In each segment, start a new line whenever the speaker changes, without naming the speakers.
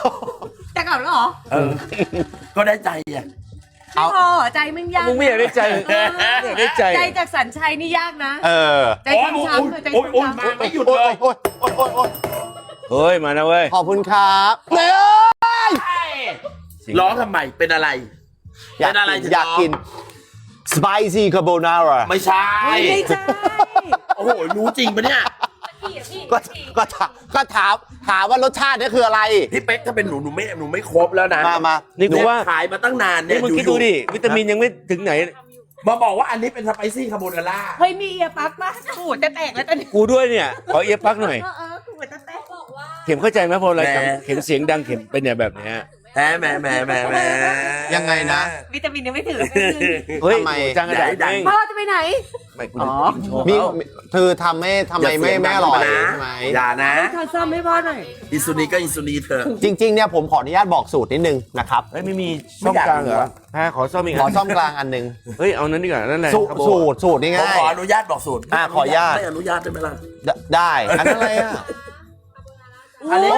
จะกลับแล้วเหรอ
ก็ได้ใจอ่ะ
ไม่พอใจมึงยาก
มึงไม่อยากได้ใจไม่อยากได้ใจ
ใจจากสัญชัยนี่ยากนะใจช้ำๆใจช้ำๆ
ไม่หยุดเลย
เฮ้ยมานะเว้ย
ขอบคุณครับ
ร้องทำไมเป็นอะไรเป็นอะไร
อยากกิน spicy carbonara
ไม่ใช่
ไม่ใช่
โอ้โหรู้จริงปะเนี่ย
ก็ถามว่ารสชาตินี่คืออะไร
พี่เป๊กถ้าเป็นหนูไม่ครบแล้วนะ
มา
นี่กูว่า
ขายมาตั้งนานเนี่ย
มึงคิดดูดิวิตามินยังไม่ถึงไหน
มาบอกว่าอันนี้เป็นสไปซี่คาโบนาร่า
เฮ้ยมีเอียปักป่ะกูจะแตกแล้วตอนนี้
กูด้วยเนี่ยขอเอียพักหน่อย
กูจะแตกบอกว่า
เข็มเข้าใจไหมพออะไรเข็มเสียงดังเข็มเป็นเนี่ยแบบเนี้ย
แหม
ยังไงนะ
วิตามินยังไม่ถึง
เฮ้ยจังกระดาษดัง
พ่อจะไปไหน
ไม่กู
มีคือทำไมไม่อร่อยใช่ไหม
อย่านะ
ทำซ้ำให้พ่อหน่อย
อิซูนีก็อิซูนีเถอะ
จริงๆเนี่ยผมขออนุญาตบอกสูตรนิดนึงนะครับ
ไม่มีซ่อมกลางเหรอขอซ่อมอีก
ขอซ่อมกลางอันนึง
เฮ้ยเอานั้นดีกว่านั่นแหละ
สูตรนี่ง่าย
ขออนุญาตบอกสูตร
ขออนุญาต
ไม่อนุญาตได้ไหมล่ะ
ได้อันนั้นอะไรอ่ะ
อันนี้
โอ้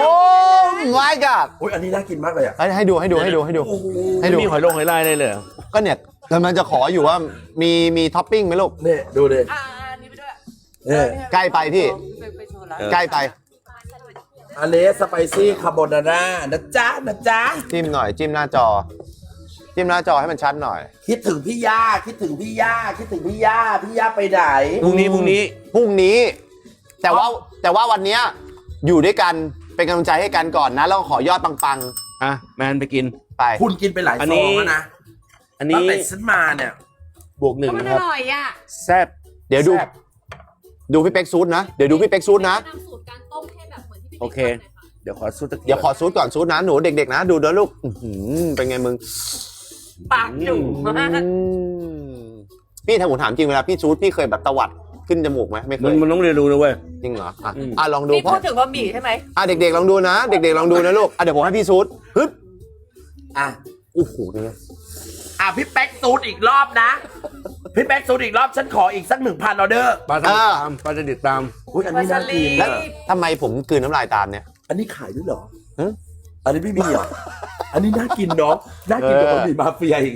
my god
อุ้ยอันนี้น่ากินมากเลยอ่ะ
ให้ดู
มีหอยลายเลยเหรอ
ก็เนี่ยกำลังจะขออยู่ว่ามีท็อปปิ้งไหมลูก
เนี่ยดูดิ
นี่ไปด้วย
ใกล้ไปพี่ใกล้ไป
อันนี้สไปซี่คาโบนาร่านะจ๊ะ
จิ้มหน่อยจิ้มหน้าจอให้มันชัดหน่อย
คิดถึงพี่ย่าคิดถึงพี่ย่าพี่ย่าไปไหน
พรุ่งนี้
แต่ว่าวันนี้อยู่ด้วยกันเป็นกำลังใจให้กันก่อนนะแล้วขอยอดปัง
แมนไปกิน
ไป
คุณกินไปหลายซองแล้วนะ
อันนี้
ตั้งแต่ฉันมาเนี่ย
บวก 1นะครับ
อร่อยอ่ะ
แซ่บ
เดี๋ยวดูพี่เป๊กซูดนะเดี๋ยวดูพี่เป๊กซูดนะ
สูตรการต้มให้แบบเหมือนที่พี่
โอเคเดี๋ยวขอซูด
ก่อนซูดนะหนูเด็กๆนะดูด้วยลูกเป็นไงมึง
ปากจุ่มมาก
พี่ถ้าผมถามจริงเวลาพี่ซูดพี่เคยแบบตวัดขึ้นจมูกไหมไม่เคย
มันต้องเรียนรู้นะเว้ย
จริงเหรอลองดู
พี่พูดถึงบะหมี่ใช่ไหม
เด็กๆลองดูนะเด็กๆลองดูนะลูกเดี๋ยวผมให้พี่ซูดฮึบโอ้โหเนี่ย
พี่แป๊กซูดอีกรอบนะพี่แป๊กซูดอีกรอบฉันขออีกสัก 1,000 ออเดอร์
ปลาจะติดตาม
อุ้ยอันนี้น่ากิน
แล้วทำไมผมกลืนน้ำลายตามเนี่ย
อันนี้ขายด้วยเหรออันนี้ไม่มีเหรออันนี้น่ากินเนาะน่ากินกว่าบะหมี่มาเฟียอีก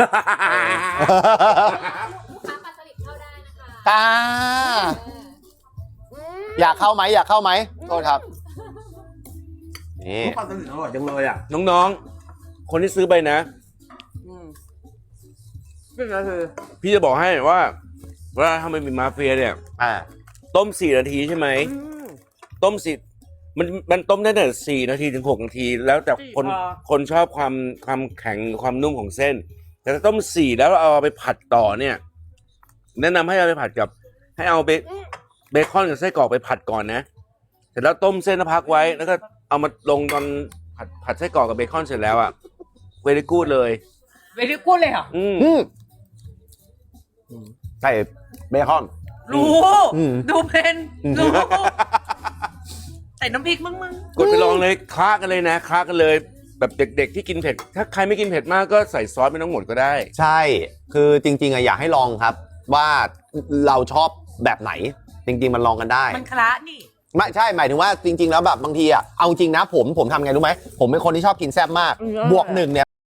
อยากเข้าไหมโทษครับ
นี่ปลาสลิดอร่อยจังเลยอ่ะ
น้องๆคนที่ซื้อไปนะพี่จะบอกให้ว่าทำไมมีมาเฟียเนี่ยต้ม4 นาทีใช่ไหมต้มมันต้มได้แต่4 นาทีถึง6 นาทีแล้วแต่คนชอบความแข็งความนุ่มของเส้นแต่ถ้าต้ม4แล้วเอาไปผัดต่อเนี่ยแนะนำให้เอาไปผัดกับให้เอาเบคอนกับไส้กรอกไปผัดก่อนนะเสร็จแล้วต้มเส้นแล้วพักไว้แล้วก็เอามาลงตอนผัดไส้กรอกกับเบคอนเสร็จแล้วอ่ะเวลิกูดเลย
เหรอ
ใส่เบคอน
รู้ดูเป็นรู้ใส่น้ำพริกมึง
กดไปลองเลยคล้ากันเลยนะคล้ากันเลยแบบเด็กๆที่กินเผ็ดถ้าใครไม่กินเผ็ดมากก็ใส่ซอสไม่ต้องหมดก็ได้
ใช่คือจริงๆอยากให้ลองครับว่าเราชอบแบบไหนจริงๆมันลองกันได้
มันคละนี่
ไม่ใช่หมายถึงว่าจริงๆแล้วแบบบางทีเอาจริงนะผมทำไงรู้ไหมผมเป็นคนที่ชอบกินแซ่บมากบวก 1เนี่ย